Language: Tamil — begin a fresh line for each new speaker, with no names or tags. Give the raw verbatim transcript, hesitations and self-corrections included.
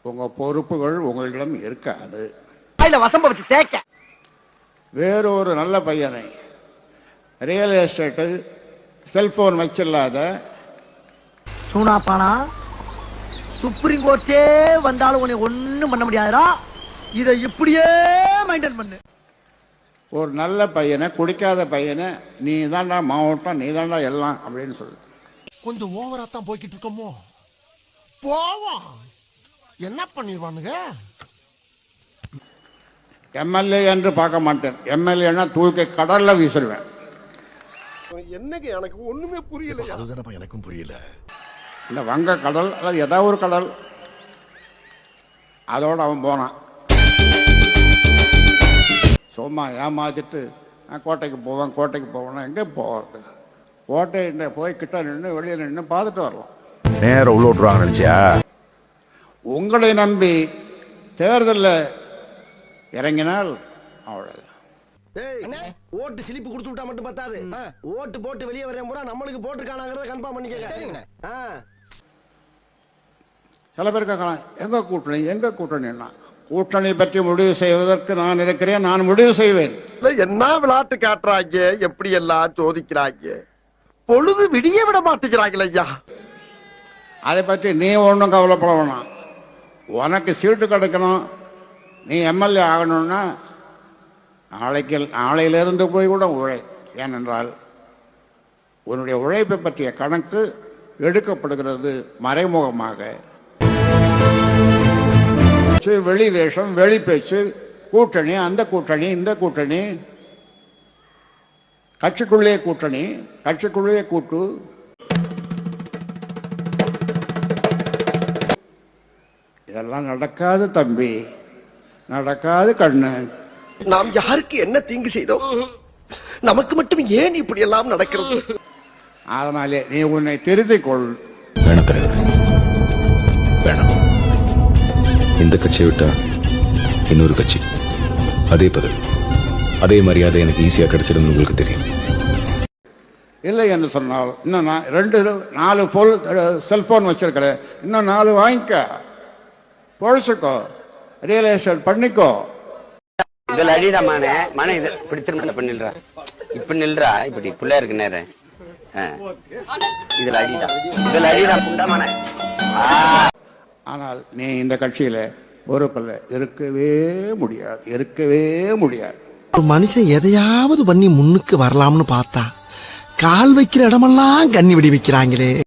உங்கள் பொறுப்புகள் உங்களிடம் இருக்காது.
வசம்ப வச்சு தேய்க்க
வேறு ஒரு நல்ல பையனை ரியல் எஸ்டேட்டு செல்போன் வச்சில்லாத
சூனாப்பானா சுப்ரீம் கோர்ட்டே வந்தாலும் உன்னை ஒண்ணும் பண்ண முடியாதுடா. இதை இப்படியே மெயின்டைன் பண்ணு.
ஒரு நல்ல பையனை, குடிக்காத பையனை நீ தாண்டா மாவட்டம், நீ தாண்டா எல்லாம் அப்படின்னு சொல்லு.
கொஞ்சம் ஓவரா தான் போய்கிட்டு இருக்கோமோ? போவோம், என்ன பண்ணிடுவானுங்க.
எம்எல்ஏ என்று பார்க்க மாட்டேன். எம்எல்ஏன்னா தூக்கி கடல்ல வீசிடுவேன்.
என்னங்க எனக்கு ஒண்ணுமே புரியல. அதுதானப்பா எனக்கும் புரியல.
இந்த வங்க கடல் அல்லது ஏதாவது ஒரு கடல், அதோட அவன் போனான். சும்மா ஏமாத்திட்டு நான் கோட்டைக்கு போவேன் கோட்டைக்கு போவேன்னா எங்கே போகிறது? கோட்டை போய் கிட்ட நின்று வெளியே நின்று பார்த்துட்டு வரலாம்.
நேரம் உள்ள விட்டுருவாங்க நினைச்சியா?
உங்களை நம்பி தேர்தலில் இறங்கினால் அவ்வளவு.
ஓட்டு சிலிப்பு கொடுத்து விட்டா மட்டும் பத்தாது. ஓட்டு போட்டு வெளியே வரேன் பூரா நம்மளுக்கு போட்டுருக்கானாங்கிறத கன்ஃபார்ம் பண்ணிக்க.
சில பேர் கேட்கலாம், எங்க கூட்டணி எங்க கூட்டணின்னா, கூட்டணி பற்றி முடிவு செய்வதற்கு நான் இருக்கிறேன், நான் முடிவு செய்வேன்.
என்ன விளையாட்டு காட்டுறாங்க, எப்படி எல்லாம் சோதிக்கிறாங்க, பொழுது விடிய விட மாட்டேங்கிறாங்களே ஐயா.
அதை பற்றி நீ ஒன்றும் கவலைப்பட வேணாம். உனக்கு சீட்டு கிடைக்கணும், நீ எம்எல்ஏ ஆகணும்னா நாளைக்கு நாளையிலிருந்து போய் கூட உழை. ஏனென்றால் உன்னுடைய உழைப்பை பற்றிய கணக்கு எடுக்கப்படுகிறது மறைமுகமாக. வெளி வேஷம், வெளி பேச்சு, கூட்டணி, அந்த கூட்டணி, இந்த கூட்டணி, கட்சிக்குள்ளே கூட்டணி, கட்சிக்குள்ளே கூட்டு. இதெல்லாம் நடக்காது தம்பி, நடக்காது கண்ணு.
நாம் யாருக்கு என்ன தீங்கு செய்தோம்? நமக்கு மட்டும் ஏன் இப்படி எல்லாம் நடக்கிறது?
அதனாலே நீ உன்னை திருத்திக் கொள்.
வேணாம் தலைவர், வேணாம். இந்த கட்சியை விட்டா இன்னொரு கட்சி, அதே பதவி, அதே மரியாதை எனக்கு ஈஸியா கிடைச்சிடும் உங்களுக்கு தெரியும்.
இல்லை என்று சொன்னால் இன்னும் நான் ரெண்டு நாலு போல் செல்போன் வச்சிருக்கிறேன், இன்னும் நாலு வாங்கிக்க, பொழைச்சிக்கோ, ரியல் எஸ்டேட் பண்ணிக்கோ.
இதுல அழிடா மானே மன இது பிடிச்சிருந்தா இப்ப நில்றா, இப்ப நில்றா, இப்படி புள்ள இருக்கு நேரம். இதுல அழிடா, இதுல அழிடா புண்டா மானே.
ஆனால் நீ இந்த கட்சியில பொறுப்பில் இருக்கவே முடியாது, இருக்கவே முடியாது.
ஒரு மனுஷன் எதையாவது பண்ணி முன்னுக்கு வரலாம்னு பார்த்தா கால் வைக்கிற இடமெல்லாம் கண்ணி விடி வைக்கிறாங்களே.